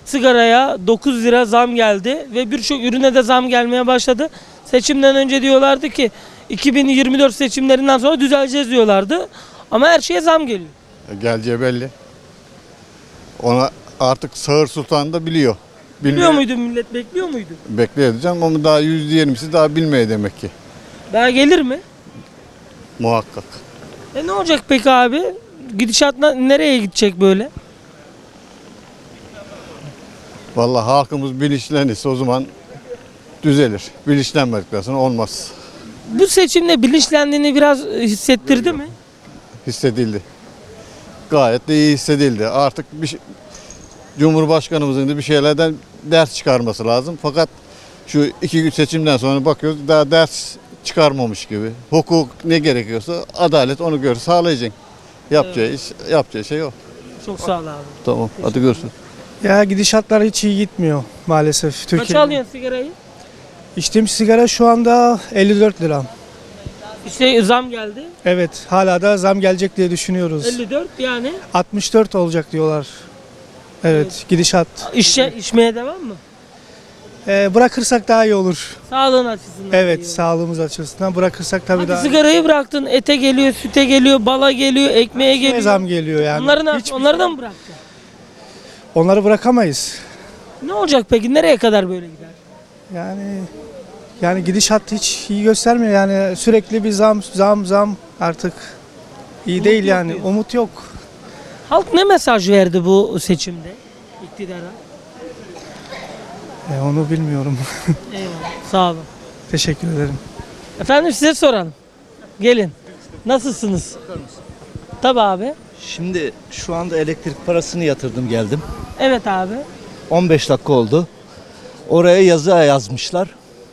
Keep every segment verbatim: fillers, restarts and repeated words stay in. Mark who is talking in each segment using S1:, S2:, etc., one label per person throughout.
S1: sigaraya dokuz lira zam geldi ve birçok ürüne de zam gelmeye başladı. Seçimden önce diyorlardı ki iki bin yirmi dört seçimlerinden sonra düzeleceğiz diyorlardı. Ama her şeye zam geliyor.
S2: Geleceği belli. Ona artık Sağır Sultan da biliyor.
S1: Biliyor muydu millet, bekliyor muydu?
S2: Bekliyor diyeceğim ama daha yüzde yirmisi daha bilmiyor demek ki.
S1: Daha gelir mi?
S2: Muhakkak.
S1: E ne olacak peki abi? Gidişat na- nereye gidecek böyle?
S2: Vallahi halkımız bilinçlenirse o zaman düzelir. Bilinçlenmedikten sonra olmaz.
S1: Bu seçimde bilinçlendiğini biraz hissettirdi mi?
S2: Hissedildi. Gayet de iyi hissedildi. Artık bir şey, Cumhurbaşkanımızın da bir şeylerden ders çıkarması lazım. Fakat şu iki gün seçimden sonra bakıyoruz daha ders çıkarmamış gibi. Hukuk ne gerekiyorsa adalet onu gör sağlayacak. Yapacağı iş, yapacağı şey o.
S1: Çok sağ ol abi.
S2: Tamam. Hadi görüşürüz.
S3: Ya gidişatlar hiç iyi gitmiyor maalesef
S1: Kaç
S3: Türkiye'de.
S1: alıyorsun sigarayı?
S3: İçtiğim sigara şu anda elli dört lira.
S1: İşte zam geldi.
S3: Evet, hala da zam gelecek diye düşünüyoruz.
S1: elli dört yani.
S3: altmış dört olacak diyorlar. Evet, gidişat.
S1: İşe, içmeye devam mı?
S3: Ee, bırakırsak daha iyi olur.
S1: Sağlığın açısından.
S3: Evet,
S1: iyi.
S3: sağlığımız açısından bırakırsak tabii
S1: Hadi
S3: daha iyi.
S1: sigarayı bıraktın. Ete geliyor, süte geliyor, bala geliyor, ekmeğe
S3: Ne
S1: geliyor.
S3: zam geliyor yani.
S1: Onları, ne,
S3: Hiç-
S1: onları da mı bırakacaksın?
S3: Onları bırakamayız.
S1: Ne olacak peki? Nereye kadar böyle gider?
S3: Yani yani gidişat hiç iyi göstermiyor yani sürekli bir zam zam zam artık iyi
S1: Umut
S3: değil
S1: yok
S3: yani
S1: diyorsun.
S3: umut yok.
S1: Halk ne mesaj verdi bu seçimde iktidara?
S3: E, onu bilmiyorum.
S1: Eyvallah. Sağ olun.
S3: Teşekkür ederim.
S1: Efendim size soralım. Gelin. Nasılsınız? Tabii abi.
S4: Şimdi şu anda elektrik parasını yatırdım geldim.
S1: Evet abi.
S4: on beş dakika oldu. Oraya yazı yazmışlar.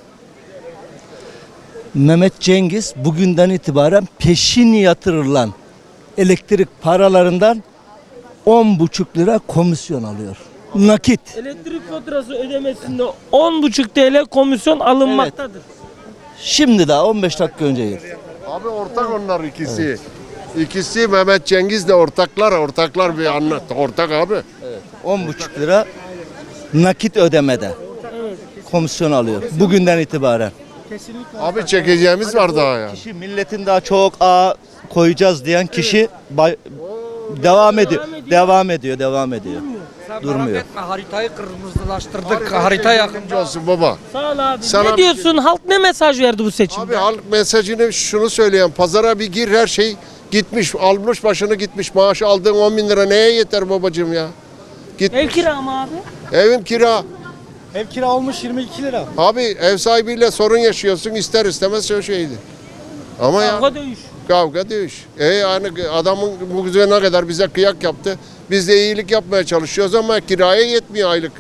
S4: Mehmet Cengiz bugünden itibaren peşin yatırılan elektrik paralarından on buçuk lira komisyon alıyor. Nakit.
S1: Elektrik faturası ödemesinde on buçuk T L komisyon alınmaktadır.
S4: Şimdi daha on beş dakika önce girdi.
S5: Abi ortak onlar ikisi. İkisi Mehmet Cengiz'le ortaklar, ortaklar bir anlat. Ortak abi.
S4: on buçuk lira nakit ödemede komisyon alıyor. Bugünden itibaren.
S5: Abi çekeceğimiz var daha ya.
S4: Kişi milletin daha çok a koyacağız diyen kişi bay- devam ediyor. Devam ediyor, devam ediyor. Durmuyor.
S6: Haritayı kırmızılaştırdık. Harita yakın.
S5: Yardımcı olsun baba.
S1: Sağ ol abi.
S5: Sana
S1: ne
S5: bir
S1: diyorsun? Halk ne mesaj verdi bu seçimde?
S5: Abi halk mesajını şunu söyleyen, pazara bir gir her şey gitmiş, almış başını gitmiş. Maaş aldığın on bin lira neye yeter babacığım ya? Git.
S1: Ev kira mı abi?
S5: Evin kira.
S3: Ev kira olmuş yirmi iki lira.
S5: Abi ev sahibiyle sorun yaşıyorsun ister istemez o şeydi. Ama ya
S1: Kavga dövüş.
S5: kavga dövüş. E yani adamın bu ne kadar bize kıyak yaptı. Biz de iyilik yapmaya çalışıyoruz ama kiraya yetmiyor aylık.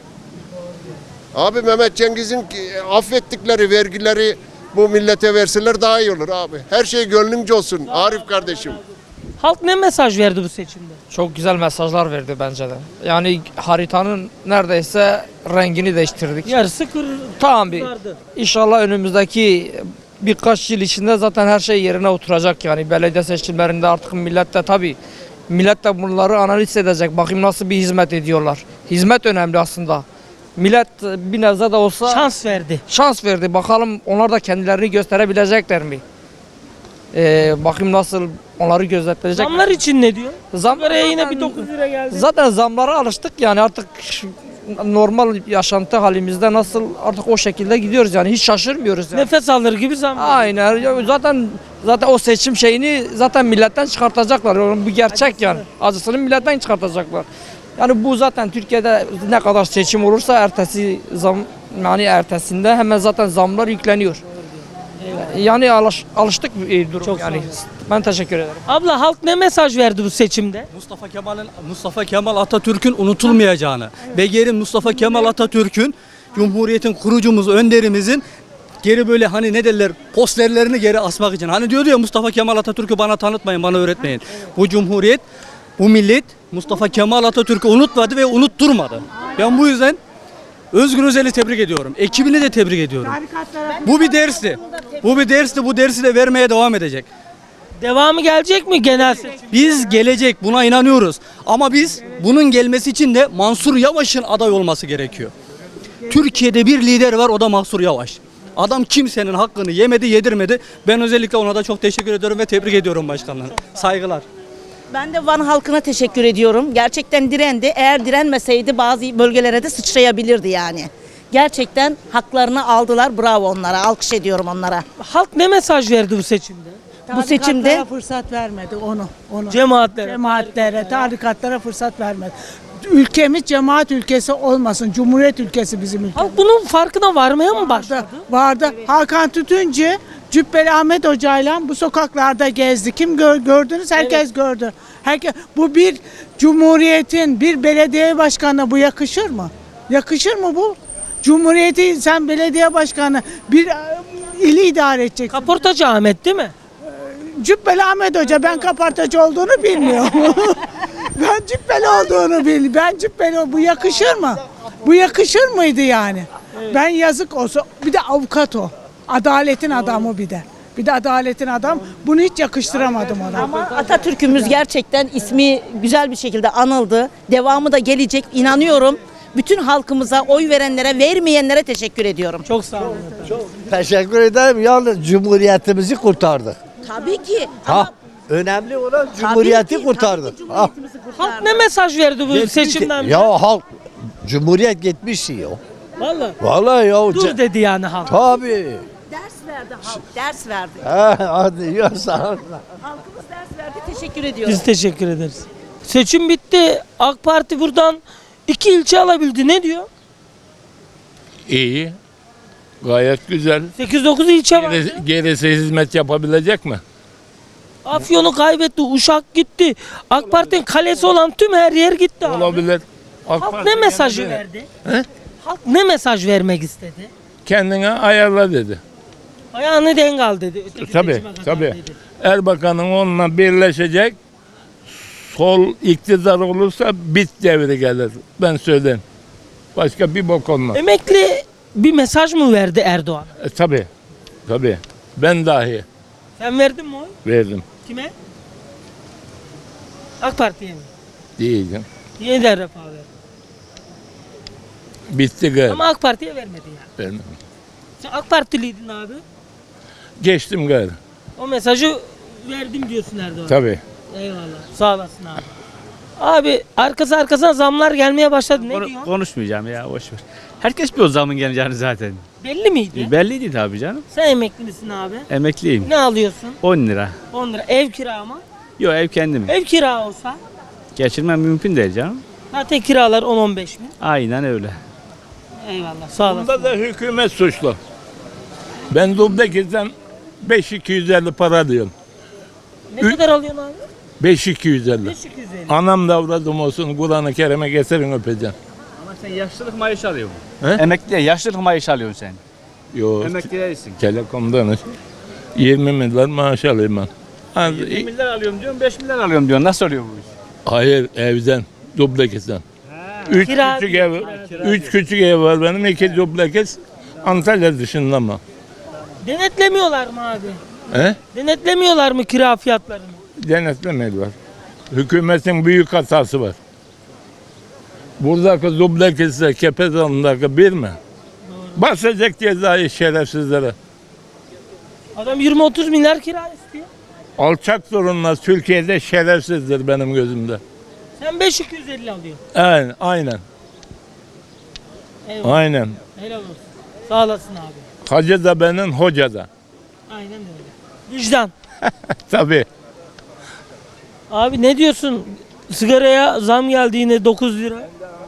S5: Abi Mehmet Cengiz'in affettikleri vergileri bu millete verseler daha iyi olur abi. Her şey gönlünce olsun Arif kardeşim.
S1: Halk ne mesaj verdi bu seçimde?
S6: Çok güzel mesajlar verdi bence de. Yani haritanın neredeyse rengini değiştirdik.
S1: Yarısı kır.
S6: Tamam bir.
S1: Vardı.
S6: İnşallah önümüzdeki birkaç yıl içinde zaten her şey yerine oturacak yani belediye seçimlerinde artık millet de tabii millet de bunları analiz edecek. Bakayım nasıl bir hizmet ediyorlar. Hizmet önemli aslında. Millet bir nebze de olsa
S1: Şans verdi.
S6: şans verdi. Bakalım onlar da kendilerini gösterebilecekler mi? Ee, bakayım nasıl onları gözetleyecek.
S1: Zamlar için ne diyor?
S6: Zam
S1: Sigaraya yine
S6: zaten-
S1: bir dokuz lira geldi.
S6: Zaten zamlara alıştık yani artık şu normal yaşantı halimizde nasıl artık o şekilde gidiyoruz yani hiç şaşırmıyoruz yani.
S1: Nefes alır gibi zam.
S6: Aynen ya zaten zaten o seçim şeyini zaten milletten çıkartacaklar. Yani bu gerçek yani. Acısını milletten çıkartacaklar. Yani bu zaten Türkiye'de ne kadar seçim olursa ertesi zam yani ertesinde hemen zaten zamlar yükleniyor. Yani alış, alıştık bir durum
S1: Çok sağ
S6: yani.
S1: olun.
S6: Ben teşekkür ederim.
S1: Abla halk ne mesaj verdi bu seçimde?
S7: Mustafa Kemal'in Mustafa Kemal Atatürk'ün unutulmayacağını ve geri Mustafa Kemal Atatürk'ün Cumhuriyet'in kurucumuz, önderimizin geri böyle hani ne derler posterlerini geri asmak için. Hani diyordu ya Mustafa Kemal Atatürk'ü bana tanıtmayın, bana öğretmeyin. Bu Cumhuriyet, bu millet Mustafa Kemal Atatürk'ü unutmadı ve unutturmadı. Ben bu yüzden Özgür Özel'i tebrik ediyorum. Ekibini de tebrik ediyorum. Bu bir dersti. Bu bir dersti. Bu dersi de vermeye devam edecek.
S1: Devamı gelecek mi genel seçim?
S7: Biz gelecek buna inanıyoruz. Ama biz bunun gelmesi için de Mansur Yavaş'ın aday olması gerekiyor. Türkiye'de bir lider var, o da Mansur Yavaş. Adam kimsenin hakkını yemedi, yedirmedi. Ben özellikle ona da çok teşekkür ediyorum ve tebrik ediyorum başkanlar. Saygılar.
S8: Ben de Van halkına teşekkür ediyorum. Gerçekten direndi. Eğer direnmeseydi bazı bölgelere de sıçrayabilirdi yani. Gerçekten haklarını aldılar. Bravo onlara. Alkış ediyorum onlara.
S1: Halk ne mesaj verdi bu seçimde?
S8: Bu seçimde
S9: Tarikatlara fırsat vermedi onu. onu.
S1: Cemaatlere.
S9: Cemaatlere, tarikatlara fırsat vermedi. Ülkemiz cemaat ülkesi olmasın. Cumhuriyet ülkesi bizim ülkemiz.
S1: Halk bunun farkına varmaya mı başladı?
S9: Vardı. Hakan Tütüncü, Cübbeli Ahmet Hoca'yla bu sokaklarda gezdi. Kim gör, gördünüz? Herkes gördü. Herkes, bu bir cumhuriyetin, bir belediye başkanına bu yakışır mı? Yakışır mı bu? Cumhuriyeti sen belediye başkanı bir e, ili idare edeceksin.
S1: Kaportacı Ahmet değil mi?
S9: Cübbeli Ahmet Hoca, ben kapartacı olduğunu bilmiyorum. Ben cübbeli olduğunu bil. Ben cübbeli, bu yakışır mı? Bu yakışır mıydı yani? Ben yazık olsa, bir de avukat o. Adaletin adamı bir de. Bir de adaletin adam. Bunu hiç yakıştıramadım ona.
S8: ama Atatürk'ümüz gerçekten ismi güzel bir şekilde anıldı. Devamı da gelecek. İnanıyorum. Bütün halkımıza, oy verenlere, vermeyenlere teşekkür ediyorum.
S1: Çok sağ olun.
S10: Teşekkür ederim. Yalnız Cumhuriyetimizi kurtardık.
S8: Tabii ki.
S10: Ha, önemli olan Cumhuriyeti
S8: Tabii ki,
S10: kurtardık.
S8: tabii ki
S10: Ha.
S8: Cumhuriyetimizi
S1: Halk
S8: kurtardık.
S1: ne mesaj verdi bu
S10: Yetmiş
S1: seçimden?
S10: ki- Ya halk Cumhuriyet gitmiş ya.
S1: Vallahi.
S10: Vallahi ya.
S1: Dur dedi yani halk.
S10: Tabii.
S8: Ders verdi halk, ders verdi.
S10: Ha, hadi ya sağ ol.
S8: Halkımız ders verdi. Teşekkür ediyorum.
S1: Biz teşekkür ederiz. Seçim bitti. AK Parti buradan iki ilçe alabildi. Ne diyor?
S11: İyi. Gayet güzel.
S1: sekiz dokuz ilçe var.
S11: Gerisi, gerisi hizmet yapabilecek mi?
S1: Afyon'u kaybetti. Uşak gitti. AK Parti'nin kalesi olan tüm her yer gitti abi.
S11: Olabilir. AK
S1: Halk
S11: Parti
S1: ne mesajı
S11: kendine-
S1: verdi?
S11: He?
S1: Halk ne mesaj vermek istedi?
S11: Kendine ayarla dedi.
S1: Ayağını denk al dedi. Öteki
S11: Tabii,
S1: seçime kadar
S11: tabii.
S1: dedi.
S11: Erbakan'ın onunla birleşecek. Sol iktidar olursa bit devri gelir. Ben söyleyeyim. Başka bir bok olmaz.
S1: Emekli bir mesaj mı verdi Erdoğan?
S11: E, tabii. Tabii. Ben dahi
S1: Sen verdin mi oy?
S11: verdim.
S1: Kime? AK Parti'ye mi?
S11: Diyeceğim.
S1: Yeniden Refah verdi.
S11: Bitti gayrı.
S1: Ama AK Parti'ye vermedi yani.
S11: Vermem.
S1: Sen AK Partiliydin abi.
S11: Geçtim gayrı.
S1: O mesajı verdim diyorsun Erdoğan.
S11: Tabii.
S1: Eyvallah. Sağ olasın abi. Abi arkası arkasına zamlar gelmeye başladı. Ne diyorsun?
S12: Konuşmayacağım ya boş ver. Herkes bir o zamın geleceğini zaten.
S1: Belli miydi?
S12: Belliydi tabii canım.
S1: Sen emekli misin abi?
S12: Emekliyim.
S1: Ne alıyorsun?
S12: on lira.
S1: on lira. Ev kira mı?
S12: Yok ev kendim.
S1: Ev kira olsa
S12: Geçirmem mümkün değil canım.
S1: zaten kiralar on on beş bin.
S12: Aynen öyle.
S1: Eyvallah. Sağ olasın.
S11: Bunda da hükümet suçlu. Ben Dubdekiz'den beş bin iki yüz elli para alıyorum.
S1: Ne kadar alıyorsun abi?
S11: beş bin iki yüz elli.
S1: beş yüz elli.
S11: Anam da avradım olsun Kur'an-ı Kerim'e getirin öpeceğim.
S12: Ama sen yaşlılık maaşı alıyorsun.
S11: He?
S12: Emekliye yaşlılık maaşı alıyorsun sen.
S11: Yok.
S12: Emekli değilsin.
S11: Telekom'dan yirmi milyar maaş alayım ben. Az-
S12: yirmi milyar alıyorum diyorsun, beş milyar alıyorum diyorsun. Nasıl oluyor bu iş?
S11: Hayır evden. Dubdekiz'den. Üç
S1: Kira-
S11: küçük ev, üç küçük ev var benim. iki dublekiz. Antalya dışında mı?
S1: Denetlemiyorlar mı abi?
S11: He?
S1: Denetlemiyorlar mı kira fiyatlarını?
S11: Denetlemiyorlar. Hükümetin büyük hatası var. Buradaki dublekizle Kepezalı'ndaki bir mi? Basacak cezayı şerefsizlere.
S1: Adam yirmi otuz milyar kira istiyor.
S11: Alçak zorunlar Türkiye'de şerefsizdir benim gözümde.
S1: Sen beş bin iki yüz elli alıyorsun.
S11: Aynen, aynen,
S1: Eyvallah.
S11: aynen.
S1: Helal olsun. Sağ olasın abi.
S11: Hacı da benim, hoca da.
S1: Aynen öyle. Vicdan.
S11: Tabii.
S1: Abi ne diyorsun? Sigaraya zam geldi yine dokuz lira.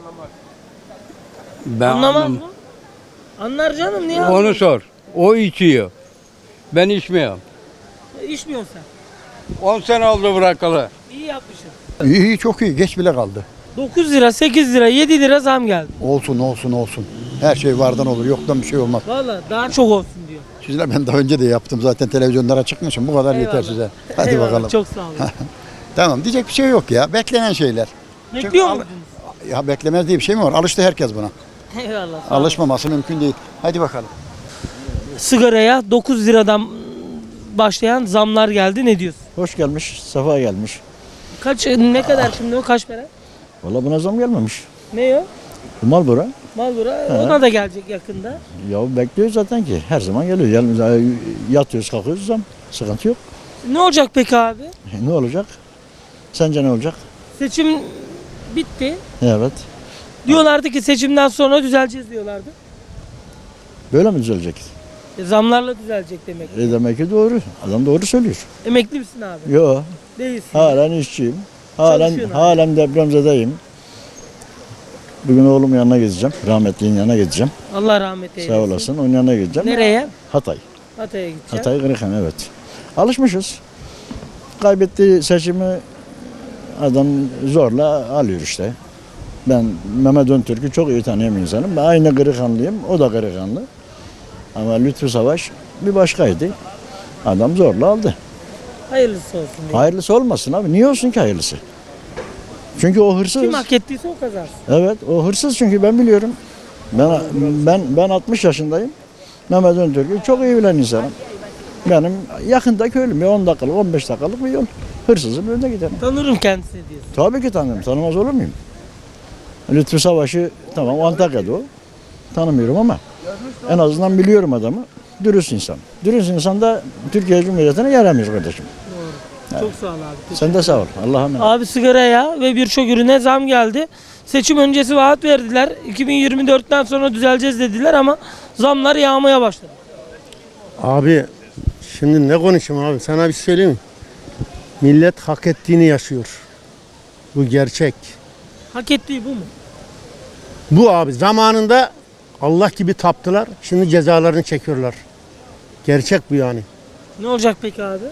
S10: Ben
S1: Anlamaz mı? Anlar canım niye
S10: Onu
S1: anlamaz?
S10: sor. O içiyor. Ben içmiyorum.
S1: İçmiyorsun sen.
S10: on sene oldu bırakalı.
S1: İyi yapmışsın.
S2: İyi, iyi çok iyi. Geç bile kaldı.
S1: dokuz lira, sekiz lira, yedi lira zam geldi.
S2: Olsun olsun olsun. Her şey vardan olur. Yoktan bir şey olmaz.
S1: Valla daha çok olsun diyor.
S2: Sizler ben daha önce de yaptım. Zaten televizyonlara çıkmışım. Bu kadar yeter
S1: Eyvallah.
S2: size. Hadi
S1: Eyvallah,
S2: bakalım.
S1: Çok sağ olun.
S2: Tamam diyecek bir şey yok ya. Beklenen şeyler.
S1: Bekliyor
S2: al-
S1: muydunuz?
S2: Ya beklemez diye bir şey mi var? Alıştı herkes buna.
S1: Eyvallah. sağ olun.
S2: Alışmaması mümkün değil. Hadi bakalım.
S1: Sigaraya dokuz liradan başlayan zamlar geldi. Ne diyorsun?
S4: Hoş gelmiş, sefa gelmiş.
S1: Kaç ne kadar şimdi o kaç para?
S4: Valla buna zam gelmemiş.
S1: Ne o?
S4: Marlboro.
S1: Malbura ona da gelecek yakında.
S4: Ya bekliyoruz zaten ki. Her zaman geliyor. Yani yatıyoruz, kalkıyoruz zam. Sıkıntı yok.
S1: Ne olacak peki abi?
S4: Ne olacak? Sence ne olacak?
S1: Seçim bitti.
S4: Evet.
S1: Diyorlardı ki seçimden sonra düzeleceğiz diyorlardı.
S4: Böyle mi düzelecek?
S1: E, zamlarla düzelecek demek.
S4: E demek ki doğru. Adam doğru söylüyor.
S1: Emekli misin abi?
S4: Yo.
S1: Değilsin.
S4: Halen işçiyim. Halen
S1: Çalışıyorsun abi.
S4: halen depremzedeyim. Bugün oğlumun yanına gideceğim. Rahmetliğin yanına gideceğim.
S1: Allah rahmet eylesin.
S4: Sağ olasın. Onun yanına gideceğim.
S1: Nereye?
S4: Hatay.
S1: Hatay'a gideceğim.
S4: Hatay Kırıkhan, evet. Alışmışız. Kaybettiği seçimi adam zorla alıyor işte. Ben Mehmet Öntürk'ü çok iyi tanıyan bir insanım. Ben aynı Kırıkhanlıyım. O da Kırıkhanlı. Ama Lütfü Savaş bir başkaydı. Adam zorla aldı.
S1: Hayırlısı olsun. diye.
S4: Hayırlısı olmasın abi. Niye olsun ki hayırlısı? Çünkü o hırsız.
S1: Kim hak ettiyse o kazansın.
S4: Evet, o hırsız çünkü ben biliyorum. Ben ben ben altmış yaşındayım. Mehmet Öntürk'ü çok iyi bilen insanım. Benim yakında köylüm. Bir on dakikalık, on beş dakikalık bir yol. Hırsızın önüne giderim.
S1: Tanırım kendisini diyorsun.
S4: Tabii ki tanırım. Tanımaz olur muyum? Lütfü Savaş'ı tamam Antakya'da o. Tanımıyorum ama en azından biliyorum adamı. Dürüst insan. Dürüst insan da Türkiye Cumhuriyeti'ne yaramıyor kardeşim.
S1: Çok sağ ol abi.
S4: Sen de sağ ol. Allah'a emanet.
S1: Abi sigaraya ve birçok ürüne zam geldi. Seçim öncesi vaat verdiler. iki bin yirmi dörtten sonra düzeleceğiz dediler ama zamlar yağmaya başladı.
S13: Abi şimdi ne konuşayım abi, sana bir şey söyleyeyim mi? Millet hak ettiğini yaşıyor. Bu gerçek.
S1: Hak ettiği bu mu?
S13: Bu abi zamanında Allah gibi taptılar. Şimdi cezalarını çekiyorlar. Gerçek bu yani.
S1: Ne olacak peki abi?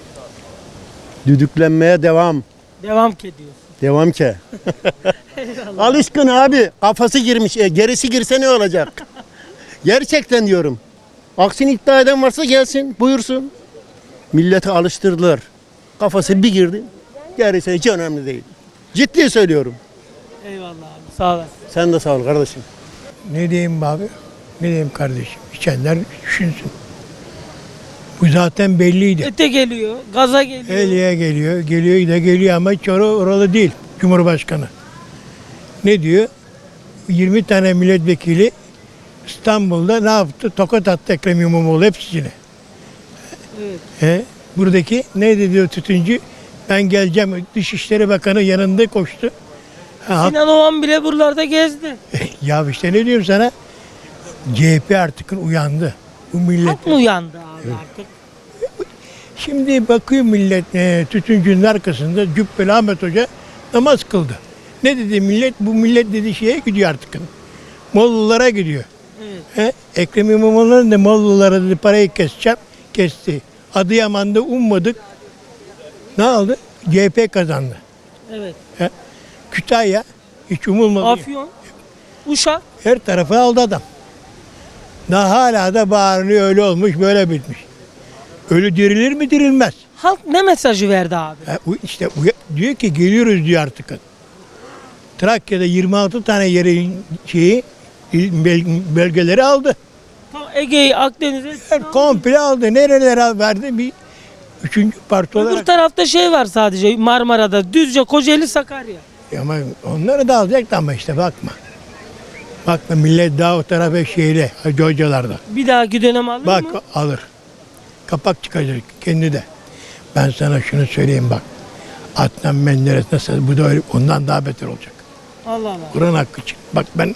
S13: Düdüklenmeye devam.
S1: Devam ki diyorsun.
S13: Devam ki.
S1: Eyvallah.
S13: Alışkın abi. Kafası girmiş. E, gerisi girse ne olacak? Gerçekten diyorum. Aksini iddia eden varsa gelsin, buyursun. Milleti alıştırdılar. Kafası bir girdi. Gerisi hiç önemli değil. Ciddi söylüyorum.
S1: Eyvallah abi. Sağ olasın.
S13: Sen de sağ ol kardeşim.
S3: Ne diyeyim abi? Ne diyeyim kardeşim? İçenler düşünsün. Bu zaten belliydi.
S1: Ete geliyor, gaza geliyor.
S3: Eliye geliyor, geliyor da geliyor ama hiç or- oralı değil Cumhurbaşkanı. Ne diyor? yirmi tane milletvekili İstanbul'da ne yaptı? Tokat attı Ekrem İmamoğlu hepsine.
S1: Evet.
S3: He? Buradaki ne diyor tütüncü? Ben geleceğim. Dışişleri Bakanı yanında koştu. Ha, hak-
S1: Sinan Oğan bile buralarda gezdi.
S3: ya işte ne diyorum sana? C H P artık uyandı. Bu millet.
S1: Halk mı uyandı abi artık?
S3: Şimdi bakıyor millet e, tütüncünün arkasında Cübbeli Ahmet Hoca namaz kıldı. Ne dedi millet? Bu millet dedi şeye gidiyor artık. Mollalara gidiyor.
S1: Evet.
S3: He? Ekrem İmamoğlu'nun da Mollalara dedi parayı keseceğim. Kesti. Adıyaman'da ummadık. Ne oldu? C H P kazandı.
S1: Evet.
S3: He? Kütahya hiç umulmadı.
S1: Afyon, Uşak.
S3: Her tarafı aldı adam. Daha hala da bağırıyor öyle olmuş böyle bitmiş. Ölü dirilir mi dirilmez.
S1: Halk ne mesajı verdi abi?
S3: Ha, u- işte uya- diyor ki geliyoruz diyor artık. Trakya'da yirmi altı tane yerin şeyi il- bel- belgeleri aldı.
S1: Tam Ege'yi, Akdeniz'i.
S3: Her komple aldı. Nerelere verdi bir üçüncü parti
S1: Öbür
S3: olarak.
S1: tarafta şey var sadece Marmara'da. Düzce, Kocaeli, Sakarya.
S3: Ama onları da alacaktı ama işte bakma. Bakma millet daha o tarafa şeyle Hacı Hocalarda.
S1: Bir dahaki dönem alır
S3: Bak
S1: mı?
S3: alır. Kapak çıkacak kendi de. Ben sana şunu söyleyeyim bak. Adnan Menderes nasıl bu da öyle, ondan daha beter olacak.
S1: Allah Allah.
S3: Kur'an hakkı için. Bak ben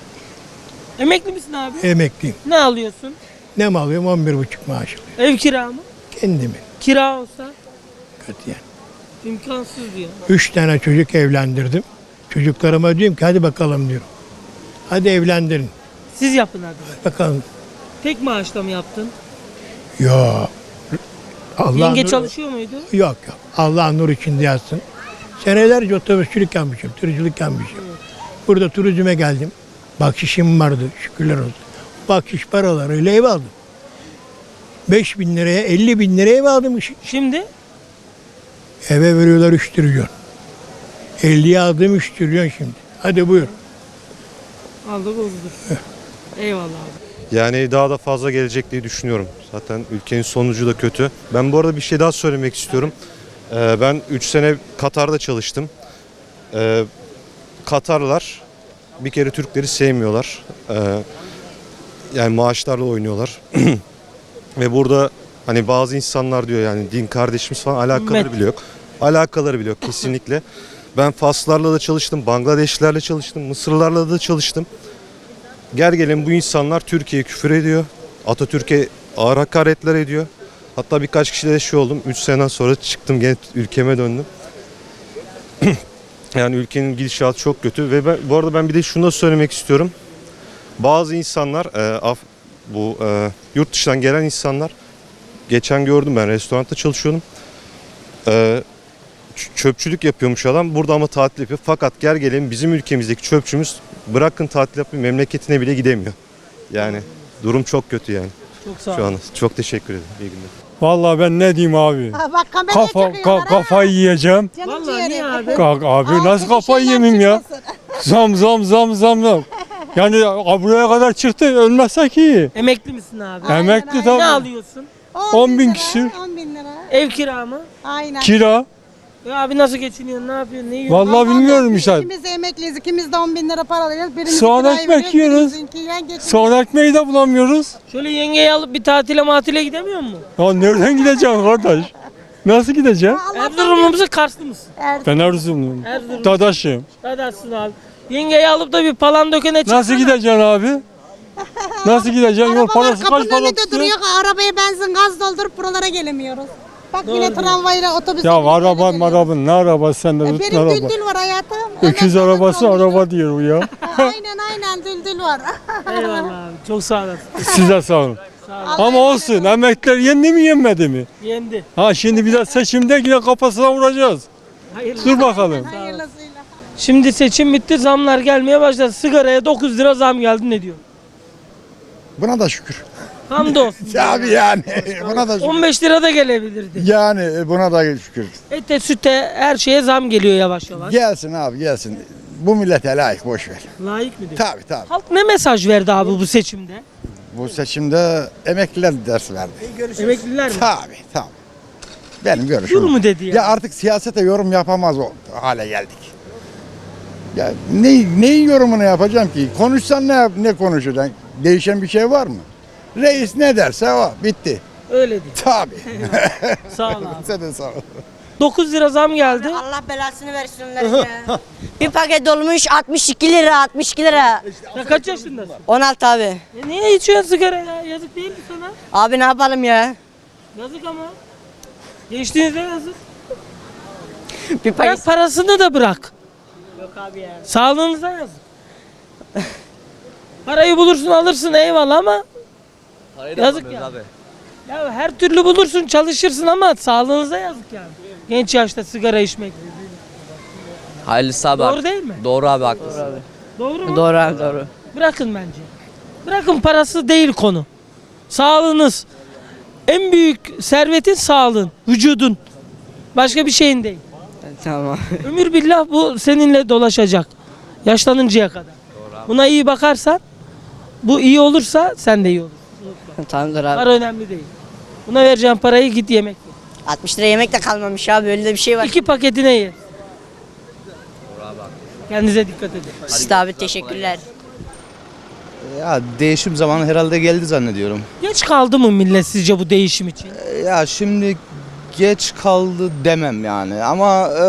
S1: Emekli misin abi?
S3: emekliyim.
S1: Ne alıyorsun?
S3: Ne mi alıyorum? on bir buçuk maaş alıyorum.
S1: Ev kira mı?
S3: Kendimin.
S1: Kira olsa
S3: Katiyen.
S1: imkansız diyor.
S3: Üç tane çocuk evlendirdim. Çocuklarıma diyorum ki hadi bakalım diyorum. Hadi evlendirin.
S1: Siz yapın hadi.
S3: Bakalım.
S1: Tek maaşla mı yaptın?
S3: Yok. Allah
S1: Yenge
S3: nur-
S1: çalışıyor muydu?
S3: Yok yok. Allah nur içinde yatsın. Senelerce otobüsçülük yapmışım, tırcılık yapmışım. Burada turizme geldim. Bakşişim vardı şükürler olsun. Bakşiş paralarıyla ev aldım. beş bin liraya, elli bin liraya ev aldım.
S1: Şimdi
S3: Eve veriyorlar üç trilyon. elliye aldım üç trilyon şimdi. Hadi buyur.
S1: aldık bozulur. Eyvallah abi.
S14: Yani daha da fazla gelecek diye düşünüyorum. Zaten ülkenin sonucu da kötü. Ben bu arada bir şey daha söylemek istiyorum. Ee, ben üç sene Katar'da çalıştım. Ee, Katarlılar bir kere Türkleri sevmiyorlar. Ee, yani maaşlarla oynuyorlar. Ve burada hani bazı insanlar diyor yani din kardeşimiz falan alakaları
S1: Ümmet.
S14: bile yok. Alakaları bile yok kesinlikle. Ben Faslarla da çalıştım, Bangladeşlilerle çalıştım, Mısırlarla da çalıştım. Gel gelin bu insanlar Türkiye'ye küfür ediyor. Atatürk'e ağır hakaretler ediyor. Hatta birkaç kişiyle de şey oldum. üç sene sonra çıktım gene ülkeme döndüm. Yani ülkenin gidişatı çok kötü ve ben, bu arada ben bir de şunu da söylemek istiyorum. Bazı insanlar e, af, bu e, yurt dışından gelen insanlar geçen gördüm ben restoranda çalışıyordum. E, çöpçülük yapıyormuş adam burada ama tatil yapıyor. Fakat gel gelelim bizim ülkemizdeki çöpçümüz bırakın tatil yapmayı memleketine bile gidemiyor. Yani durum çok kötü yani.
S1: Çok sağ
S14: Şu
S1: ol.
S14: an çok teşekkür ederim. İyi günler.
S15: Vallahi ben ne diyeyim abi?
S9: Bak kameraya
S15: Kafa ka- kafayı yiyeceğim.
S1: Vallahi niye abi?
S15: Kalk abi nasıl kafayı yemeyeyim ya? Zam zam zam zam zam. Yani buraya kadar çıktı ölmezsek iyi.
S1: Emekli misin abi?
S15: Emekli
S1: Ne
S15: tabii.
S1: alıyorsun?
S15: on bin küsür.
S9: on bin lira.
S1: Ev kira mı?
S9: Aynen.
S15: Kira.
S1: Ya abi nasıl geçiniyorsun? Ne yapıyorsun? Ne yiyorsun?
S15: Vallahi bilmiyorum işte.
S9: İkimiz de emekliyiz, ikimiz de on bin lira para alıyoruz. Birimiz
S15: Soğan
S9: kirayı
S15: ekmek
S9: veriyoruz,
S15: yiyoruz.
S9: birimizinki yan geçiniyor.
S15: Soğan ekmeği de bulamıyoruz.
S1: Şöyle yengeyi alıp bir tatile matile gidemiyor mu?
S15: Ya nereden gideceğim kardeş? Nasıl gideceğim?
S1: Erzurumlu musun, Karslı mısın?
S15: Ben Erzurumluyum.
S1: Erzurum.
S15: Dadaşım.
S1: Dadaşsın abi. Yengeyi alıp da bir Palandöken'e çıksana.
S15: Nasıl gideceksin abi? Nasıl gideceksin? Yol parası kaç
S9: Kapının
S15: para
S9: önünde
S15: tutuyor?
S9: duruyor, arabaya benzin gaz doldurup buralara gelemiyoruz. Bak
S1: Doğru
S9: yine
S1: diyor.
S9: tramvayla otobüsle.
S15: Ya
S9: binip
S15: araba
S9: geliyoruz.
S15: maraba ne arabası sen de
S9: E,
S15: tutun
S9: benim
S15: araba.
S9: düldül var hayatım.
S15: Öküz
S9: Emekli
S15: arabası
S9: olmuşum.
S15: araba diyor bu ya.
S9: Aynen aynen düldül var.
S1: Eyvallah abi. Çok sağ olasın.
S15: Size sağ olun.
S1: Sağ olun.
S15: Ama olsun emekliler yendi mi yenmedi mi?
S1: Yendi.
S15: Ha şimdi bir de seçimde yine kafasına vuracağız.
S1: Hayırlı.
S15: Dur bakalım.
S9: Hayırlısıyla.
S1: Şimdi seçim bitti. Zamlar gelmeye başladı. Sigaraya dokuz lira zam geldi. Ne diyor?
S13: Buna da şükür.
S1: Hamdolsun.
S13: Abi yani buna da şükür.
S1: on beş lira da gelebilirdi.
S13: Yani buna da şükür.
S1: Ete, süte, her şeye zam geliyor yavaş yavaş.
S13: Gelsin abi gelsin. Bu millete layık boş ver.
S1: Layık mı diyor?
S13: Tabii tabii.
S1: Halk ne mesaj verdi abi bu seçimde?
S13: Bu seçimde emekliler ders verdi.
S1: Emekliler mi?
S13: Tabii tabii. Benim görüşüm.
S1: Dur mu dedi ya?
S13: Ya artık siyasete yorum yapamaz o hale geldik. Ya ne neyin yorumunu yapacağım ki? Konuşsan ne yap- ne konuşacaksın? Değişen bir şey var mı? Reis ne derse o bitti.
S1: Öyle değil.
S13: Tabii.
S1: Sağ ol abi.
S13: Sen de sağ ol.
S1: dokuz lira zam geldi.
S8: Allah belasını versin onların ya. Bir paket olmuş altmış iki lira, altmış iki lira.
S1: Sen kaç yaşındasın?
S8: on altı abi.
S1: E niye içiyorsun sigara ya? Yazık değil mi sana?
S8: Abi ne yapalım ya?
S1: Yazık ama. Gençliğinize yazık.
S8: Bir
S1: Bırak parasını da bırak.
S8: Yok abi ya.
S1: Sağlığınıza yazık. Parayı bulursun alırsın eyvallah ama yazık ya. Ya her türlü bulursun çalışırsın ama sağlığınıza yazık yani. Genç yaşta sigara içmek.
S6: Hayırlısı abi.
S1: Doğru değil mi?
S6: Doğru abi haklısın.
S1: Doğru mu?
S6: Doğru abi doğru.
S1: Bırakın bence. Bırakın parası değil konu. Sağlığınız. En büyük servetin sağlığın, vücudun. Başka bir şeyin değil.
S6: Tamam.
S1: Ömür billah bu seninle dolaşacak. Yaşlanıncaya kadar. Buna iyi bakarsan, bu iyi olursa sen de iyi olursun.
S6: Tamamdır abi.
S1: Para önemli değil. Buna vereceğin parayı git yemek ye.
S8: altmış lira yemek de kalmamış abi öyle de bir şey var.
S1: İki paketine ye. Kendinize dikkat edin.
S8: İşte abi teşekkürler.
S12: Ya değişim zamanı herhalde geldi zannediyorum.
S1: Geç kaldı mı millet sizce bu değişim için?
S12: Ya şimdi geç kaldı demem yani ama e,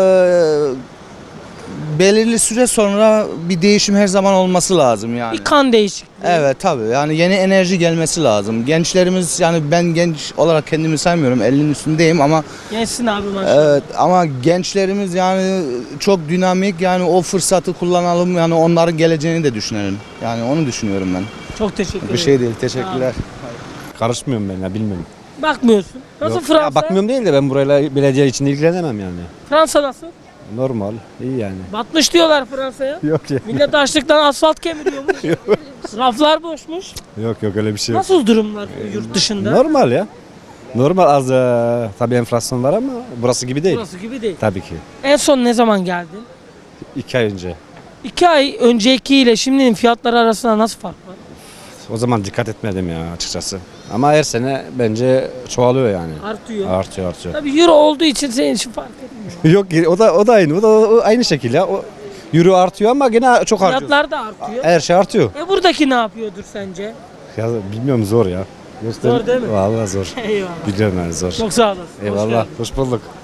S12: belirli süre sonra bir değişim her zaman olması lazım yani.
S1: Bir kan değişikliği.
S12: Evet tabii yani yeni enerji gelmesi lazım. Gençlerimiz yani ben genç olarak kendimi saymıyorum ellinin üstündeyim ama
S1: Gençsin abi maşallah.
S12: evet ama gençlerimiz yani çok dinamik yani o fırsatı kullanalım yani onların geleceğini de düşünelim. Yani onu düşünüyorum ben.
S1: Çok teşekkür ederim.
S12: Bir şey değil teşekkürler.
S10: Karışmıyorum ben ya bilmiyorum.
S1: Bakmıyorsun. Nasıl
S10: Yok,
S1: Fransa?
S10: ya bakmıyorum değil de ben burayla belediye için ilgilenemem yani.
S1: Fransa nasıl?
S10: Normal, iyi yani.
S1: Batmış diyorlar Fransa'ya.
S10: Yok ya.
S1: Millet açlıktan asfalt kemiriyormuş. Raflar boşmuş.
S10: Yok yok öyle bir şey
S1: Nasıl durumlar yurt dışında?
S10: Normal ya. Normal az e, tabii enflasyon var ama burası gibi değil.
S1: Burası gibi değil.
S10: Tabii ki.
S1: En son ne zaman geldin?
S10: İki ay önce.
S1: İki ay öncekiyle şimdinin fiyatları arasında nasıl fark var?
S10: o zaman dikkat etmedim ya açıkçası. Ama her sene bence çoğalıyor yani.
S1: Artıyor.
S10: Artıyor artıyor.
S1: Tabii euro olduğu için senin için fark etmiyor.
S10: Yok o da o da aynı. O da o aynı şekilde ya. O euro artıyor ama gene çok harcıyor.
S1: Fiyatlar da artıyor.
S10: Her şey artıyor.
S1: E buradaki ne yapıyordur sence?
S10: Ya bilmiyorum zor ya. Göster-
S1: Zor değil mi?
S10: Vallahi zor.
S1: Eyvallah.
S10: Biliyorum yani zor.
S1: Çok sağ olasın. Hoş
S10: Eyvallah.
S1: geldin.
S10: Hoş bulduk.